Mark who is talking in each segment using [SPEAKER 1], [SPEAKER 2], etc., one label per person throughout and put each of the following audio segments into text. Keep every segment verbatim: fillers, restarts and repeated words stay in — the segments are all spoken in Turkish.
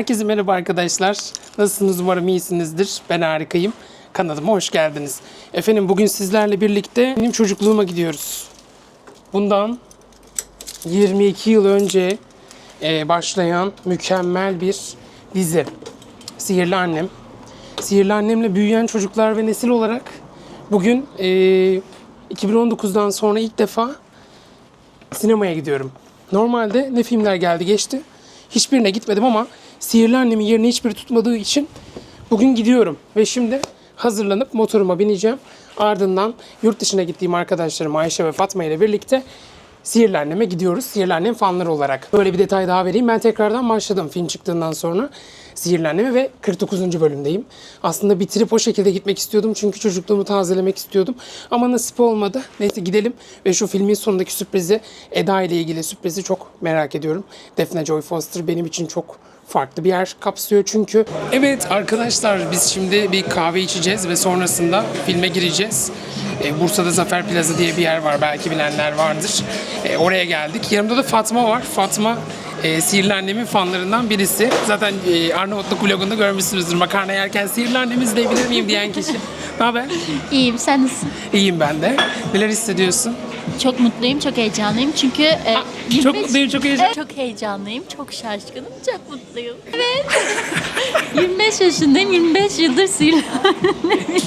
[SPEAKER 1] Herkese merhaba arkadaşlar. Nasılsınız? Umarım iyisinizdir. Ben harikayım. Kanalıma hoş geldiniz. Efendim bugün sizlerle birlikte benim çocukluğuma gidiyoruz. Bundan yirmi iki yıl önce e, başlayan mükemmel bir dizi. Sihirli Annem. Sihirli Annem'le büyüyen çocuklar ve nesil olarak bugün e, iki bin on dokuzdan sonra ilk defa sinemaya gidiyorum. Normalde ne filmler geldi geçti. Hiçbirine gitmedim ama Sihirli Annem'in yerini hiçbiri tutmadığı için bugün gidiyorum. Ve şimdi hazırlanıp motoruma bineceğim. Ardından yurt dışına gittiğim arkadaşlarım Ayşe ve Fatma ile birlikte Sihirli Annem'e gidiyoruz. Sihirli Annem fanları olarak. Böyle bir detay daha vereyim. Ben tekrardan başladım film çıktığından sonra Sihirli Annem'e ve kırk dokuzuncu bölümdeyim. Aslında bitirip o şekilde gitmek istiyordum. Çünkü çocukluğumu tazelemek istiyordum. Ama nasip olmadı. Neyse gidelim ve şu filmin sonundaki sürprizi, Eda ile ilgili sürprizi çok merak ediyorum. Daphne Joy Foster benim için çok farklı bir yer kapsıyor çünkü. Evet arkadaşlar, biz şimdi bir kahve içeceğiz ve sonrasında filme gireceğiz. E, Bursa'da Zafer Plaza diye bir yer var, belki bilenler vardır. E, oraya geldik. Yanımda da Fatma var. Fatma e, Sihirli Annem'in fanlarından birisi. Zaten e, Arnavutluk vlogunda görmüşsünüzdür. Makarna yerken Sihirli Annem'i izleyebilir miyim diyen kişi. Ne haber?
[SPEAKER 2] İyiyim, sen nasılsın?
[SPEAKER 1] İyiyim ben de. Neler hissediyorsun?
[SPEAKER 2] Çok mutluyum, çok heyecanlıyım çünkü e,
[SPEAKER 1] Aa, çok mutluyum, çok heyecanlıyım.
[SPEAKER 2] Evet, çok heyecanlıyım, çok şaşkınım, çok mutluyum. Evet. yirmi beş yaşındayım, yirmi beş yıldır Sihirli Annem'iz.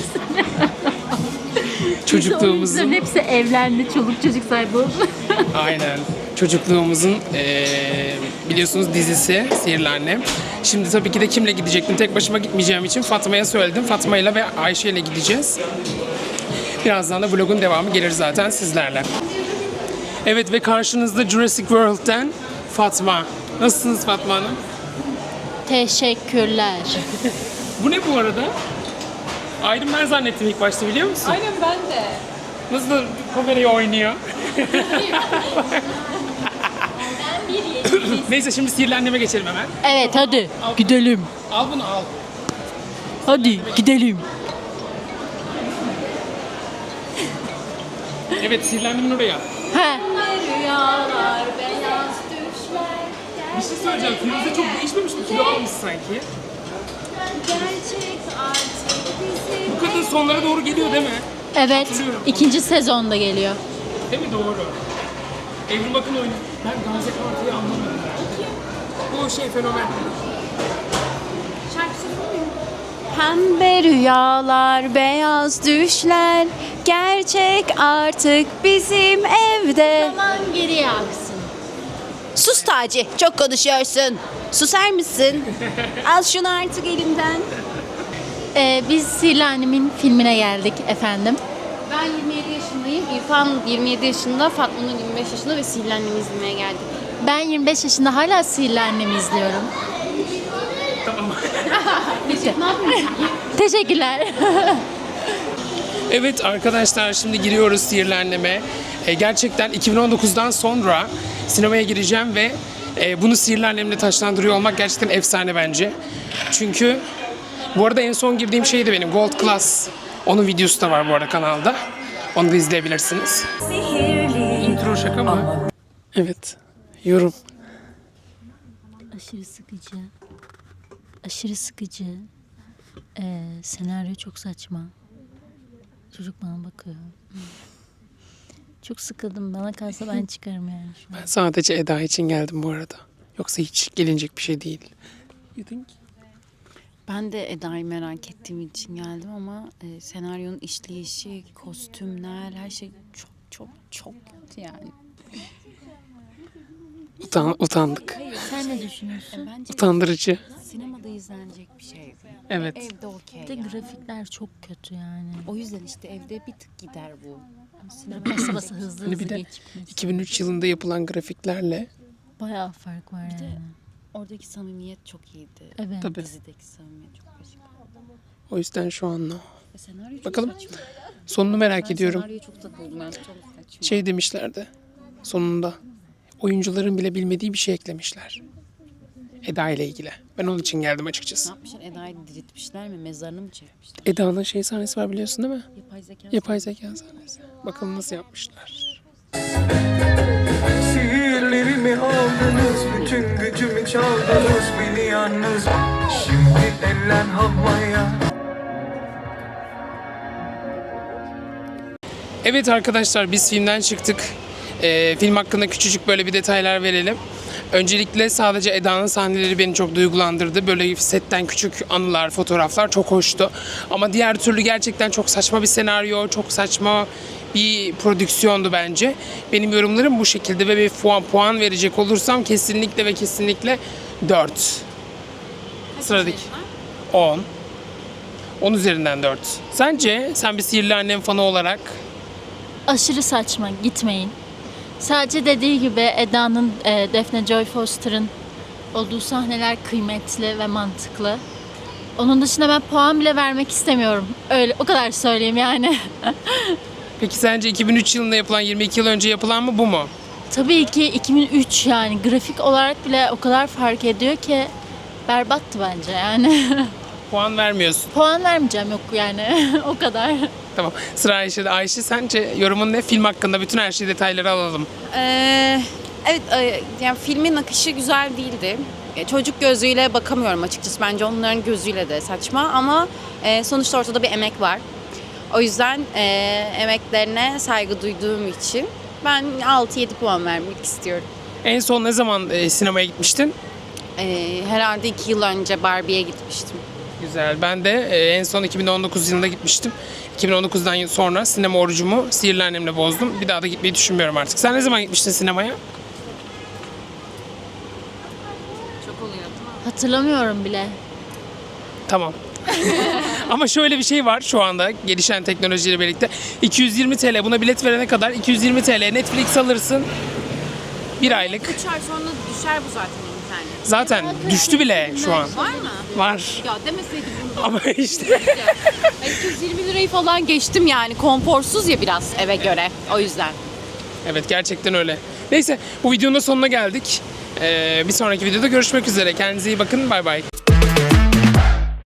[SPEAKER 1] Çocukluğumuzun...
[SPEAKER 2] Oyuncuların hepsi evlendi, çoluk çocuk sahibi oldu.
[SPEAKER 1] Aynen. Çocukluğumuzun eee, biliyorsunuz dizisi Sihirli Annem. Şimdi tabii ki de kimle gidecektim? Tek başıma gitmeyeceğim için Fatma'ya söyledim. Fatma'yla ve Ayşe'yle gideceğiz. Birazdan da vlogun devamı gelir zaten sizlerle. Evet ve karşınızda Jurassic World'den Fatma. Nasılsınız Fatma Hanım?
[SPEAKER 2] Teşekkürler.
[SPEAKER 1] Bu ne bu arada? Iron Man zannettim ilk başta, biliyor musun?
[SPEAKER 3] Aynen, ben de.
[SPEAKER 1] Nasıl da kamerayı oynuyor? Neyse şimdi Sihirli Annem'e geçelim hemen.
[SPEAKER 2] Evet, hadi gidelim.
[SPEAKER 1] Al bunu al.
[SPEAKER 2] Hadi gidelim.
[SPEAKER 1] Evet, Sihirli Annem'in oraya.
[SPEAKER 2] He.
[SPEAKER 3] Rüyalar, beyaz düşler.
[SPEAKER 1] Bir şey söyleyeceğim. Firuze çok değişmemiş mi? Kilo almış sanki.
[SPEAKER 3] Gerçek artık bizim.
[SPEAKER 1] Bu kadın sonlara doğru geliyor değil mi?
[SPEAKER 2] Evet, ikinci sezonda geliyor.
[SPEAKER 1] Değil mi? Doğru. Evrim Akın oynuyor. Ben Gamze Kartı'yı anlamadım. Bu şey fenomen.
[SPEAKER 3] Şarkı söyleyeyim mi? Pembe rüyalar, beyaz düşler. Gerçek artık bizim evde.
[SPEAKER 2] Zaman geriye aksın.
[SPEAKER 3] Sus Taci, çok konuşuyorsun. Susar mısın? Al şunu artık elimden.
[SPEAKER 2] Ee, biz Sihirli Annem'in filmine geldik efendim.
[SPEAKER 4] Ben yirmi yedi yaşındayım. İrfan yirmi yedi yaşında, Fatma Nur yirmi beş yaşında ve Sihirli Annem'i izlemeye geldik.
[SPEAKER 2] Ben yirmi beş yaşında hala Sihirli Annem'i izliyorum.
[SPEAKER 4] Bitti. Ne yapıyorsun?
[SPEAKER 2] Teşekkürler.
[SPEAKER 1] Evet arkadaşlar, şimdi giriyoruz Sihirli Annem'e. E, gerçekten iki bin on dokuzdan sonra sinemaya gireceğim ve e, bunu Sihirli Annem'le taçlandırıyor olmak gerçekten efsane bence. Çünkü bu arada en son girdiğim şey de benim Gold Class. Onun videosu da var bu arada kanalda. Onu da izleyebilirsiniz. Intro şaka mı? Evet. Yorum.
[SPEAKER 2] Aşırı sıkıcı. Aşırı sıkıcı. Ee, senaryo çok saçma. Çocuk bana bakıyor. Çok sıkıldım. Bana kalsa ben çıkarım yani şu an.
[SPEAKER 1] Ben sadece Eda için geldim bu arada. Yoksa hiç gelinecek bir şey değil. You think?
[SPEAKER 4] Ben de Eda'yı merak ettiğim için geldim ama e, senaryonun işleyişi, kostümler, her şey çok çok çok kötü yani.
[SPEAKER 1] Utan, utandık.
[SPEAKER 2] Sen ne düşünüyorsun?
[SPEAKER 4] E, bence
[SPEAKER 1] Utandırıcı.
[SPEAKER 4] sinemada izlenecek bir şey.
[SPEAKER 1] Evet.
[SPEAKER 4] Evde okey.
[SPEAKER 2] Bir de
[SPEAKER 4] yani.
[SPEAKER 2] grafikler çok kötü yani.
[SPEAKER 4] O yüzden işte evde bir tık gider bu.
[SPEAKER 2] Basa basa hızlı
[SPEAKER 1] Hani
[SPEAKER 2] hızlı
[SPEAKER 1] bir de
[SPEAKER 2] geçmiş.
[SPEAKER 1] iki bin üç yılında yapılan grafiklerle
[SPEAKER 2] Bayağı fark var yani.
[SPEAKER 4] Oradaki samimiyet çok iyiydi.
[SPEAKER 2] Evet.
[SPEAKER 1] tabii.
[SPEAKER 4] Dizideki samimiyet çok başka.
[SPEAKER 1] O yüzden şu an no.
[SPEAKER 4] E, senaryo çok
[SPEAKER 1] Bakalım.
[SPEAKER 4] saçma.
[SPEAKER 1] Sonunu merak
[SPEAKER 4] Ben
[SPEAKER 1] ediyorum.
[SPEAKER 4] senaryoya çok takıldım. Ben çok saçma.
[SPEAKER 1] Şey demişlerdi sonunda. Oyuncuların bile bilmediği bir şey eklemişler. Eda ile ilgili. Ben onun için geldim
[SPEAKER 4] Ne
[SPEAKER 1] açıkçası.
[SPEAKER 4] yapmışlar? Eda'yı diriltmişler mi? Mezarını mı çekmişler?
[SPEAKER 1] Eda'nın şey sahnesi var, biliyorsun değil mi?
[SPEAKER 4] Yapay zeka.
[SPEAKER 1] Yapay zeka sahnesi. Bakalım nasıl yapmışlar.
[SPEAKER 5] Sihirlerin Kalbimi aldınız, bütün gücümü çaldınız, beni yalnız. Şimdi eller havaya.
[SPEAKER 1] Evet arkadaşlar, biz filmden çıktık. Ee, film hakkında küçücük böyle bir detaylar verelim. Öncelikle sadece Eda'nın sahneleri beni çok duygulandırdı. Böyle setten küçük anılar, fotoğraflar çok hoştu. Ama diğer türlü gerçekten çok saçma bir senaryo, çok saçma bir prodüksiyondu bence. Benim yorumlarım bu şekilde ve bir puan, puan verecek olursam kesinlikle ve kesinlikle dört. Sıradaki on. on üzerinden dört. Sence sen bir Sihirli Annem fanı olarak?
[SPEAKER 2] Aşırı saçma, gitmeyin. Sadece dediği gibi Eda'nın, e, Daphne Joy Foster'ın olduğu sahneler kıymetli ve mantıklı. Onun dışında ben puan bile vermek istemiyorum. Öyle, o kadar söyleyeyim yani.
[SPEAKER 1] Peki sence iki bin üç yılında yapılan, yirmi iki yıl önce yapılan mı bu mu?
[SPEAKER 2] Tabii ki iki bin üç yani grafik olarak bile o kadar fark ediyor ki berbattı bence yani.
[SPEAKER 1] Puan vermiyorsun.
[SPEAKER 2] Puan vermeyeceğim yok yani o kadar.
[SPEAKER 1] Tamam. Sıra Ayşe'de. Ayşe, sence yorumun ne? Film hakkında bütün her şeyi, detayları alalım.
[SPEAKER 3] Ee, evet, e, yani filmin akışı güzel değildi. E, Çocuk gözüyle bakamıyorum açıkçası. Bence onların gözüyle de saçma ama e, sonuçta ortada bir emek var. O yüzden e, emeklerine saygı duyduğum için ben altı yedi puan vermek istiyorum.
[SPEAKER 1] En son ne zaman e, sinemaya gitmiştin?
[SPEAKER 3] E, herhalde iki yıl önce Barbie'ye gitmiştim.
[SPEAKER 1] Güzel. Ben de e, en son iki bin on dokuz yılında gitmiştim. iki bin on dokuzdan sonra sinema orucumu Sihirli Annem'le bozdum. Bir daha da gitmeyi düşünmüyorum artık. Sen ne zaman gitmiştin sinemaya?
[SPEAKER 3] Çok oluyor değil mi?
[SPEAKER 2] Hatırlamıyorum bile.
[SPEAKER 1] Tamam. Ama şöyle bir şey var şu anda gelişen teknolojiyle birlikte. iki yüz yirmi TL, buna bilet verene kadar iki yüz yirmi TL Netflix alırsın. Bir aylık.
[SPEAKER 3] üç ay sonra düşer bu zaten internet.
[SPEAKER 1] Zaten düştü bile şu an.
[SPEAKER 3] Var mı?
[SPEAKER 1] Var.
[SPEAKER 3] Ya demeseydim bunu.
[SPEAKER 1] Ama işte.
[SPEAKER 3] iki yüz yirmi lirayı falan geçtim yani. Konforsuz ya biraz eve göre. O yüzden.
[SPEAKER 1] Evet, gerçekten öyle. Neyse, bu videonun da sonuna geldik. Ee, bir sonraki videoda görüşmek üzere. Kendinize iyi bakın. Bay bay.